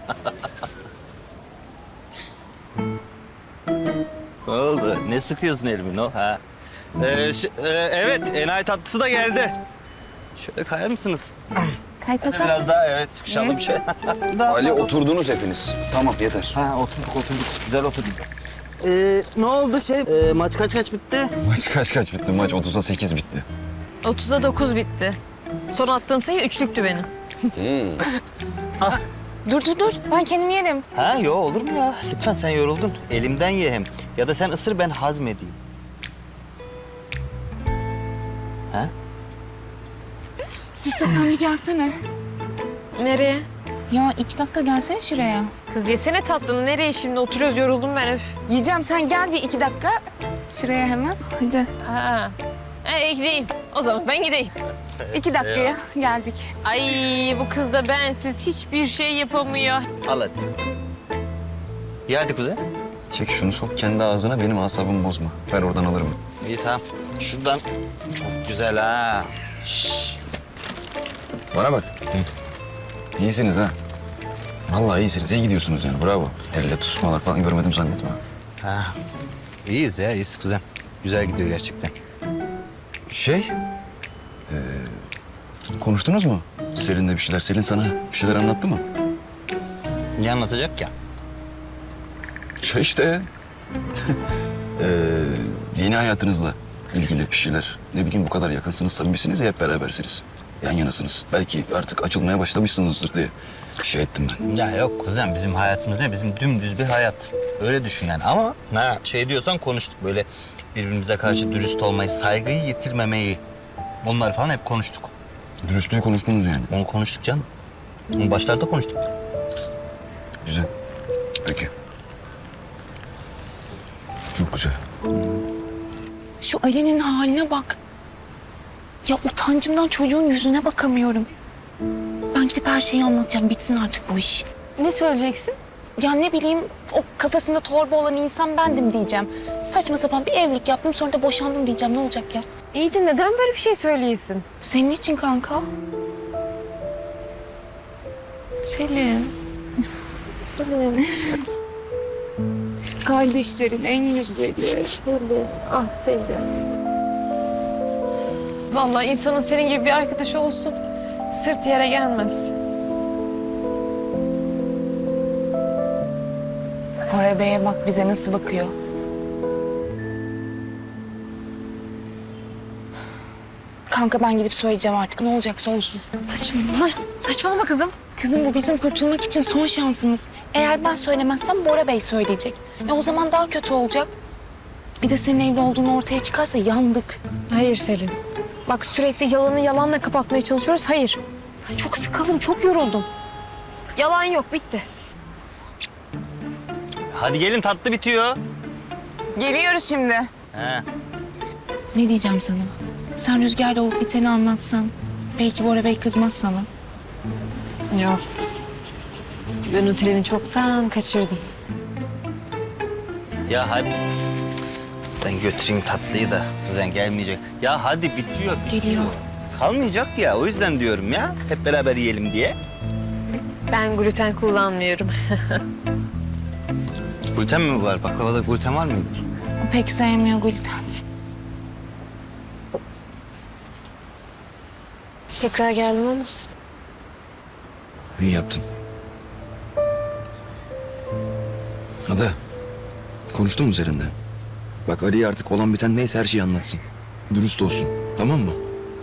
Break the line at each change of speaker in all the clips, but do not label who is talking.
Ne oldu? Ne sıkıyorsun elimi o? Ha? Evet, enayi tatlısı da geldi. Şöyle kayar mısınız?
Kay kaka.
Biraz daha evet, sıkışalım şey.
Ali oturdunuz hepiniz. Tamam yeter.
Ha, oturduk. Güzel oturduk. Ne oldu maç kaç bitti?
Maç kaç bitti? Maç 30'a 8 bitti.
30'a 9 bitti. Son attığım sayı üçlüktü benim.
Dur. Ben kendim yerim.
Ha, yo olur mu ya? Lütfen sen yoruldun. Elimden ye hem. Ya da sen ısır ben hazmedeyim. Ha?
Siste sen bir gelsene.
Nereye?
Ya 2 dakika gelsene şuraya.
Kız yesene tatlını. Nereye şimdi? Oturuyoruz, yoruldum ben öf.
Yiyeceğim, sen gel bir 2 dakika. Şuraya hemen. Hadi.
Ha. Gideyim. O zaman ben gideyim.
2 dakikaya geldik.
Ay bu kız da bensiz hiçbir şey yapamıyor.
Al hadi. İyi hadi kuzen.
Çek şunu sok kendi ağzına benim asabımı bozma. Ver oradan alırım.
İyi tamam. Şuradan çok güzel ha. Şşş.
Bana bak. İyisiniz ha. Vallahi iyisiniz. İyi gidiyorsunuz yani. Bravo. Elle tutuşmalar falan görmedim zannetme.
Ha. İyiyiz ya, iyiyiz kuzen. Güzel gidiyor gerçekten.
Konuştunuz mu? Selin'le bir şeyler. Selin sana bir şeyler anlattı mı?
Ne anlatacak ya?
İşte. Yeni hayatınızla ilgili bir şeyler. Ne bileyim bu kadar yakınsınız, samimisiniz ya hep berabersiniz. Yan yanasınız. Belki artık açılmaya başlamışsınızdır diye şey ettim ben.
Ya yok kuzen, bizim hayatımız ne? Bizim dümdüz bir hayat. Öyle düşün yani. Ama diyorsan konuştuk böyle birbirimize karşı dürüst olmayı, saygıyı yitirmemeyi. Onlar falan hep konuştuk.
Dürüstlüğü konuştunuz yani.
Onu konuştuk canım. Onu başlarda konuştuk.
Güzel. Peki. Çok güzel.
Şu Ali'nin haline bak. Ya utancımdan çocuğun yüzüne bakamıyorum. Ben gidip her şeyi anlatacağım. Bitsin artık bu iş.
Ne söyleyeceksin?
Ya ne bileyim, o kafasında torba olan insan bendim diyeceğim. Saçma sapan bir evlilik yaptım, sonra da boşandım diyeceğim. Ne olacak ya?
İyi de neden böyle bir şey söyleyesin?
Senin için kanka.
Selin. Selin.
Kardeşlerin en güzeli.
Selin. Ah Selin. Vallahi insanın senin gibi bir arkadaşı olsun. Sırt yere gelmez.
Koray Bey'e bak bize nasıl bakıyor. Kanka ben gidip söyleyeceğim artık. Ne olacaksa olsun.
Saçmalama. Saçmalama kızım.
Kızım bu bizim kurtulmak için son şansımız. Eğer ben söylemezsem Bora Bey söyleyecek. O zaman daha kötü olacak. Bir de senin evli olduğunu ortaya çıkarsa yandık.
Hayır Selin. Bak sürekli yalanı yalanla kapatmaya çalışıyoruz. Hayır. Ay, çok sıkıldım, çok yoruldum. Yalan yok, bitti.
Hadi gelin, tatlı bitiyor.
Geliyoruz şimdi.
He.
Ne diyeceğim sana? Sen Rüzgar'la olup biteni anlatsan. Belki Bora Bey kızmaz sana.
Yok. Ben o treni çoktan kaçırdım.
Ya hadi. Ben götüreyim tatlıyı da kuzen gelmeyecek. Ya hadi bitiyor.
Geliyor.
Kalmayacak ya, o yüzden diyorum ya. Hep beraber yiyelim diye.
Ben gluten kullanmıyorum.
Gluten mi var? Baklavada gluten var mıydı?
O pek sevmiyor gluten.
Tekrar geldim ama.
İyi yaptın. Ada, konuştun mu üzerinde? Bak Ali'ye artık olan biten neyse her şeyi anlatsın. Dürüst olsun, tamam mı?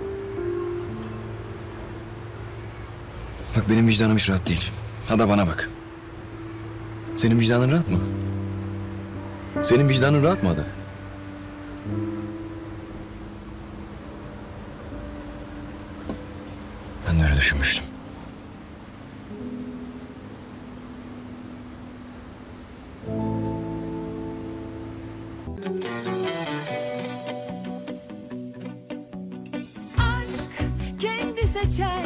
Bak benim vicdanım hiç rahat değil. Ada bana bak. Senin vicdanın rahat mı? Senin vicdanın rahat mı Ada? Ben de öyle düşünmüştüm.
Aşk kendi seçer